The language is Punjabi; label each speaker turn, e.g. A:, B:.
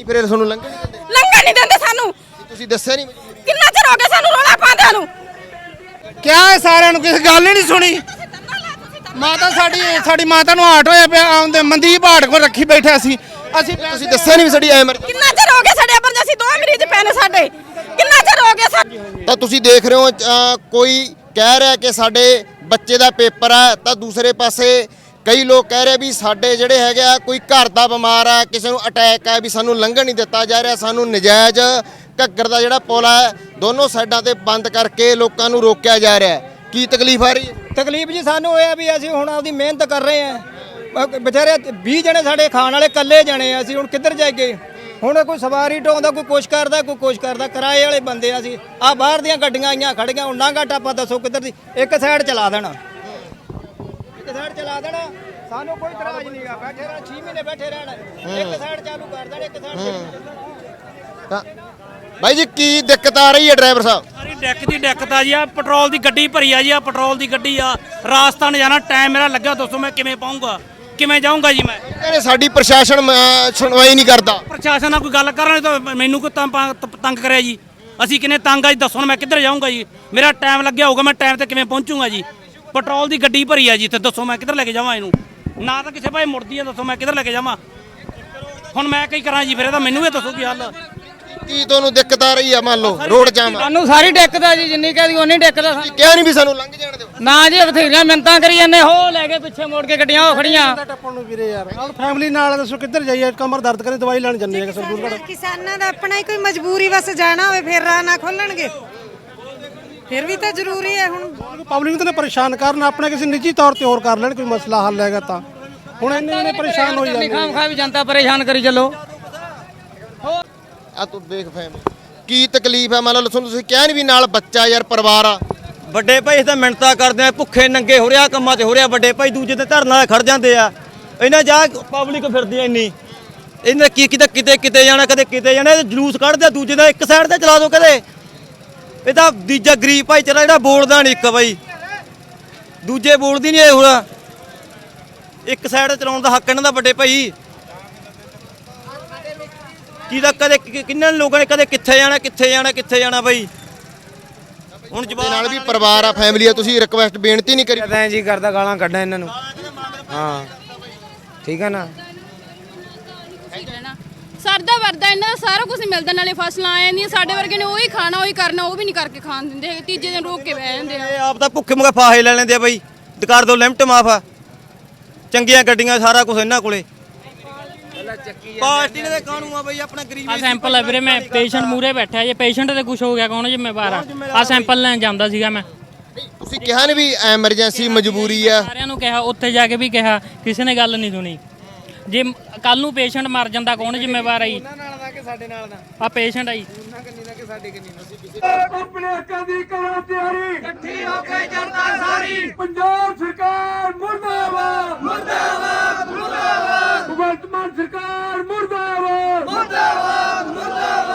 A: ਨਹੀਂ ਫਿਰ ਤੁਹਾਨੂੰ ਲੰਘਣ ਨਹੀਂ ਦਿੰਦੇ?
B: ਲੰਘਣ ਨਹੀਂ ਦਿੰਦੇ ਸਾਨੂੰ।
A: ਤੁਸੀਂ ਦੱਸਿਆ ਨਹੀਂ?
B: ਕਿੰਨਾ ਚਿਰ ਹੋ ਗਿਆ ਸਾਨੂੰ ਰੋਲਾ ਪਾਉਂਦਿਆਂ ਨੂੰ।
C: ਕਿਆ ਹੈ ਸਾਰਿਆਂ ਨੂੰ, ਕਿਸੇ ਗੱਲ ਹੀ ਨਹੀਂ ਸੁਣੀ। ਮਾਤਾ ਸਾਡੀ ਮਾਤਾ ਨੂੰ ਹਾਰਟ ਹੋਇਆ ਪਿਆ, ਆਉਂਦੇ ਮਨਦੀਪ ਹਾਰਟ ਕੋਲ ਰੱਖੀ ਬੈਠਾ ਸੀ ਅਸੀਂ।
A: ਤੁਸੀਂ ਦੱਸਿਆ ਨਹੀਂ ਵੀ ਸਾਡੀ ਐਮਰਜੈਂਸੀ?
B: ਕਿੰਨਾ ਚਿਰ ਹੋ ਗਿਆ ਸਾਡੇ ਐਮਰਜੈਂਸੀ 2 ਮਰੀਜ਼ ਪਏ ਨੇ ਸਾਡੇ, ਕਿੰਨਾ ਚਿਰ ਹੋ ਗਿਆ ਸਾਡੇ।
A: ਤਾਂ ਤੁਸੀਂ ਦੇਖ ਰਹੇ ਹੋ ਕੋਈ ਕਹਿ ਰਿਹਾ ਕਿ ਸਾਡੇ ਬੱਚੇ ਦਾ ਪੇਪਰ ਹੈ, ਤਾਂ ਦੂਸਰੇ ਪਾਸੇ ਕਈ ਲੋਕ ਕਹਿ ਰਹੇ ਵੀ ਸਾਡੇ ਜਿਹੜੇ ਹੈਗੇ ਆ ਕੋਈ ਘਰ ਦਾ ਬਿਮਾਰ ਆ, ਕਿਸੇ ਨੂੰ ਅਟੈਕ ਆ, ਵੀ ਸਾਨੂੰ ਲੰਘਣ ਨਹੀਂ ਦਿੱਤਾ ਜਾ ਰਿਹਾ, ਸਾਨੂੰ ਨਜਾਇਜ਼ ਘੱਗਰ ਦਾ ਜਿਹੜਾ ਪੁਲ ਹੈ ਦੋਨੋਂ ਸਾਈਡਾਂ ਤੇ ਬੰਦ ਕਰਕੇ ਲੋਕਾਂ ਨੂੰ ਰੋਕਿਆ ਜਾ ਰਿਹਾ ਹੈ। ਕੀ ਤਕਲੀਫ ਆ ਰਹੀ ਹੈ?
D: ਤਕਲੀਫ ਜੀ ਸਾਨੂੰ ਇਹ ਆ ਵੀ ਅਸੀਂ ਹੁਣ ਆਪਦੀ ਮਿਹਨਤ ਕਰ ਰਹੇ ਆ, ਵਿਚਾਰੇ 20 ਜਣੇ ਸਾਡੇ ਖਾਣ ਵਾਲੇ ਇਕੱਲੇ ਜਣੇ ਆ, ਅਸੀਂ ਹੁਣ ਕਿੱਧਰ ਜਾਈਏ। ਹੁਣ ਕੋਈ ਸਵਾਰੀ ਢੋਂਦਾ, ਕੋਈ ਕੁਛ ਕਰਦਾ, ਕੋਈ ਕੁਛ ਕਰਦਾ, ਕਿਰਾਏ ਵਾਲੇ ਬੰਦੇ ਆ ਅਸੀਂ। ਆ ਬਾਹਰ ਦੀਆਂ ਗੱਡੀਆਂ ਆਈਆਂ ਖੜੀਆਂ, ਹੁਣ ਨਾਂਗਾ ਟਾਪਾ ਦੱਸੋ ਕਿੱਧਰ ਦੀ। ਇੱਕ ਸਾਈਡ ਚਲਾ ਦੇਣਾ, ਇੱਕ ਸਾਈਡ ਚਲਾ ਦੇਣਾ, ਸਾਨੂੰ ਕੋਈ ਇਤਰਾਜ਼ ਨਹੀਂ ਆ। ਬੈਠੇ ਰਹਿਣਾ 6 ਮਹੀਨੇ ਬੈਠੇ ਰਹਿਣਾ, ਇੱਕ ਸਾਈਡ ਚਾਲੂ ਕਰ ਦੇਣਾ, ਇੱਕ ਸਾਈਡ।
A: ਤਾਂ ਬਾਈ ਜੀ ਕੀ ਦਿੱਕਤ ਆ ਰਹੀ ਹੈ ਡਰਾਈਵਰ ਸਾਹਿਬ?
E: ਸਾਰੀ ਡੈਕ ਦੀ ਦਿੱਕਤ ਆ ਜੀ। ਆ ਪੈਟਰੋਲ ਦੀ ਗੱਡੀ ਭਰੀ ਆ ਜੀ, ਆ ਪੈਟਰੋਲ ਦੀ ਗੱਡੀ ਆ। ਰਾਜਸਥਾਨ ਜਾਣਾ, ਟਾਈਮ ਮੇਰਾ ਲੱਗਾ, ਦੱਸੋ ਮੈਂ ਕਿਵੇਂ ਪਾਉਂਗਾ, ਕਿਵੇਂ ਜਾਊਂਗਾ ਜੀ ਮੈਂ?
A: ਕਹਿੰਦੇ ਸਾਡੀ ਪ੍ਰਸ਼ਾਸਨ ਸੁਣਵਾਈ ਨਹੀਂ ਕਰਦਾ।
E: ਪ੍ਰਸ਼ਾਸਨ ਨਾਲ ਕੋਈ ਗੱਲ ਕਰਨ ਤਾਂ ਮੈਨੂੰ ਕੋਈ ਤੰਗ ਕਰਿਆ ਜੀ। ਅਸੀਂ ਕਿੰਨੇ ਤੰਗ ਆ ਜੀ, ਦੱਸੋ ਮੈਂ ਕਿੱਧਰ ਜਾਊਂਗਾ ਜੀ? ਮੇਰਾ ਟਾਈਮ ਲੱਗਿਆ ਹੋਊਗਾ, ਮੈਂ ਟਾਈਮ ਤੇ ਕਿਵੇਂ ਪਹੁੰਚੂਗਾ ਜੀ? ਪੈਟਰੋਲ ਦੀ ਗੱਡੀ ਭਰੀ ਆ ਜੀ ਇੱਥੇ, ਦੱਸੋ ਮੈਂ ਕਿੱਧਰ ਲੈ ਕੇ ਜਾਵਾਂ ਇਹਨੂੰ? ਨਾ ਤਾਂ ਕਿਸੇ ਭਾਈ ਮੁੜਦੀ ਆ, ਦੱਸੋ ਮੈਂ ਕਿੱਧਰ ਲੈ ਕੇ ਜਾਵਾਂ? ਹੁਣ ਮੈਂ ਕੀ ਕਰਾਂ ਜੀ? ਫਿਰ ਇਹਦਾ ਮੈਨੂੰ ਇਹ ਦੱਸੋ ਕੀ ਹੱਲ।
A: ਕੀ ਤੁਹਾਨੂੰ ਦਿੱਕਤ ਆ ਰਹੀ ਆ? ਮੰਨ ਲਓ ਰੋਡ ਜਾਮ ਆ,
D: ਸਾਨੂੰ ਸਾਰੀ ਦਿੱਕਤ ਆ ਜੀ, ਜਿੰਨੀ ਕਹਦੀ ਉਨੀ ਦਿੱਕਤ ਆ।
A: ਕਿਹਾ ਨਹੀਂ ਵੀ ਸਾਨੂੰ ਲੰਘ ਜਾਣ ਦਿਓ?
D: ਨਾ ਜੀ ਬਥੇਰੀਆਂ ਮਿੰਤਾਂ ਕਰੀ ਜਾਂਦੇ, ਹੋ ਲੈ ਕੇ ਪਿੱਛੇ ਮੋੜ ਕੇ ਗੱਡੀਆਂ ਹੋ ਖੜੀਆਂ।
C: ਟੱਪਣ ਨੂੰ ਵੀਰੇ ਯਾਰ, ਨਾਲ ਫੈਮਿਲੀ ਨਾਲ ਦੱਸੋ ਕਿੱਧਰ ਜਾਈਏ? ਕਮਰ ਦਰਦ ਕਰੇ, ਦਵਾਈ ਲੈਣ ਜੰਨੇ ਆ ਸਰਦੂਲਗੜ੍ਹ।
F: ਕਿਸਾਨਾਂ ਦਾ ਆਪਣਾ ਹੀ ਕੋਈ ਮਜਬੂਰੀ ਵਸ ਜਾਣਾ ਹੋਵੇ ਫਿਰ ਰਾਹ ਨਾ ਖੋਲਣਗੇ, ਫਿਰ ਵੀ ਤਾਂ ਜ਼ਰੂਰੀ ਹੈ। ਹੁਣ
C: ਪਬਲਿਕ ਨੂੰ ਤਾਂ ਪਰੇਸ਼ਾਨ ਕਰਨ, ਆਪਣੇ ਕਿਸੇ ਨਿੱਜੀ ਤੌਰ ਤੇ ਹੋਰ ਕਰ ਲੈਣ, ਕੋਈ ਮਸਲਾ ਹੱਲ ਹੈਗਾ ਤਾਂ। ਹੁਣ ਇੰਨੇ ਪਰੇਸ਼ਾਨ ਹੋ ਜਾਂਦੇ,
D: ਖਾਮ ਵੀ ਜਨਤਾ ਪਰੇਸ਼ਾਨ ਕਰੀ ਚੱਲੋ।
A: ਆ ਤੂੰ ਦੇਖ ਫੈਮਿਲੀ ਕੀ ਤਕਲੀਫ ਹੈ। ਮੰਨ ਲਓ ਤੁਸੀਂ ਕਿਹਾ ਨਹੀਂ ਵੀ ਨਾਲ ਬੱਚਾ ਯਾਰ ਪਰਿਵਾਰ ਆ।
G: ਵੱਡੇ ਭਾਈ ਇਸ ਤਾਂ ਮਿੰਨਤਾਂ ਕਰਦੇ ਆ, ਭੁੱਖੇ ਨੰਗੇ ਹੋ ਰਿਹਾ, ਕੰਮਾਂ 'ਚ ਹੋ ਰਿਹਾ। ਵੱਡੇ ਭਾਈ ਦੂਜੇ ਤੇ ਧਰਨ ਵਾਲੇ ਖੜ ਜਾਂਦੇ ਆ, ਇਹਨਾਂ ਜਾ ਪਬਲਿਕ ਫਿਰਦੀ ਆ ਇੰਨੀ। ਇਹਨਾਂ ਕੀ ਕਿਤੇ ਜਾਣਾ, ਕਦੇ ਕਿਤੇ ਜਾਣਾ, ਜਲੂਸ ਕੱਢਦੇ ਦੂਜੇ ਦਾ। ਇੱਕ ਸਾਈਡ ਤੇ ਚਲਾ ਦੋ ਕਦੇ। ਇਹ ਤਾਂ ਦੂਜਾ ਗਰੀਬ ਭਾਈਚਾਰਾ ਜਿਹੜਾ ਬੋਲਦਾ ਨਹੀਂ ਇੱਕ ਬਾਈ, ਦੂਜੇ ਬੋਲਦੀ ਨਹੀਂ ਇਹ। ਹੁਣ ਇੱਕ ਸਾਈਡ ਚਲਾਉਣ ਦਾ ਹੱਕ ਇਹਨਾਂ ਦਾ ਵੱਡੇ ਭਾਈ। ਕਿਹਦਾ ਕਦੇ ਕਿੰਨਾਂ ਲੋਕਾਂ ਨੇ ਕਦੇ ਕਿੱਥੇ ਜਾਣਾ ਬਾਈ। ਹੁਣ
A: ਜਵਾਬ ਨਾਲ ਵੀ ਪਰਿਵਾਰ ਆ, ਫੈਮਿਲੀ ਆ, ਤੁਸੀਂ ਰਿਕੁਐਸਟ ਬੇਨਤੀ ਨਹੀਂ ਕਰੀ?
D: ਐਂ ਜੀ ਕਰਦਾ ਗਾਲਾਂ ਕੱਢਾਂ ਇਹਨਾਂ ਨੂੰ। ਹਾਂ ਠੀਕ ਹੈ ਨਾ।
B: ਸਰਦਾ ਵਰਦਾ ਇਹਨਾਂ ਦਾ ਸਾਰਾ ਕੁਝ ਮਿਲਦਾ, ਨਾਲੇ ਫਸਲਾਂ ਆ ਜਾਂਦੀਆਂ। ਸਾਡੇ ਵਰਗੇ ਨੇ ਉਹੀ ਖਾਣਾ, ਉਹੀ ਕਰਨਾ, ਉਹ ਵੀ ਨਹੀਂ ਕਰਕੇ ਖਾਣ ਦਿੰਦੇ ਹੈਗੇ। ਤੀਜੇ ਦਿਨ ਰੋਕ ਕੇ ਬਹਿ ਜਾਂਦੇ ਆ।
G: ਇਹ ਆਪ ਤਾਂ ਭੁੱਖੇ ਮੁਖੇ ਫਾਹੇ ਲੈ ਲੈਂਦੇ ਆ ਬਾਈ। ਕਰ ਦੋ ਲਿਮਟ ਮਾਫ ਆ, ਚੰਗੀਆਂ ਗੱਡੀਆਂ, ਸਾਰਾ ਕੁਝ ਇਹਨਾਂ ਕੋਲੇ। ਪਾਰਟੀ ਦੇ ਕਾਨੂੰਨ ਆ ਬਈ, ਆਪਣਾ ਗਰੀਬ
E: ਆ ਸੈਂਪਲ ਹੈ ਵੀਰੇ, ਮੈਂ ਪੇਸ਼ੈਂਟ ਮੂਰੇ ਬੈਠਾ, ਜੇ ਪੇਸ਼ੈਂਟ ਤੇ ਕੁਝ ਹੋ ਗਿਆ ਕੌਣ ਜ਼ਿੰਮੇਵਾਰ ਆ? ਆ ਸੈਂਪਲ ਲੈਣ ਜਾਂਦਾ ਸੀਗਾ ਮੈਂ।
A: ਤੁਸੀਂ ਕਿਹਾ ਨਹੀਂ ਵੀ ਐਮਰਜੈਂਸੀ ਮਜਬੂਰੀ ਆ?
E: ਸਾਰਿਆਂ ਨੂੰ ਕਿਹਾ, ਉੱਥੇ ਜਾ ਕੇ ਵੀ ਕਿਹਾ, ਕਿਸੇ ਨੇ ਗੱਲ ਨਹੀਂ ਸੁਣੀ। ਜੇ ਕੱਲ ਨੂੰ ਪੇਸ਼ੈਂਟ ਮਰ ਜਾਂਦਾ ਕੌਣ ਜ਼ਿੰਮੇਵਾਰ ਆ ਜੀ?
D: ਸਾਡੇ ਨਾਲ ਦਾ
E: ਆ ਪੇਸ਼ੈਂਟ ਆ ਜੀ।
H: ਆਪਣੇ ਹੱਕਾਂ ਦੀ ਕਰੋ ਤਿਆਰੀ, ਇਕੱਠੀ ਹੋ ਕੇ ਜਨਤਾ ਸਾਰੀ। ਪੰਜਾਬ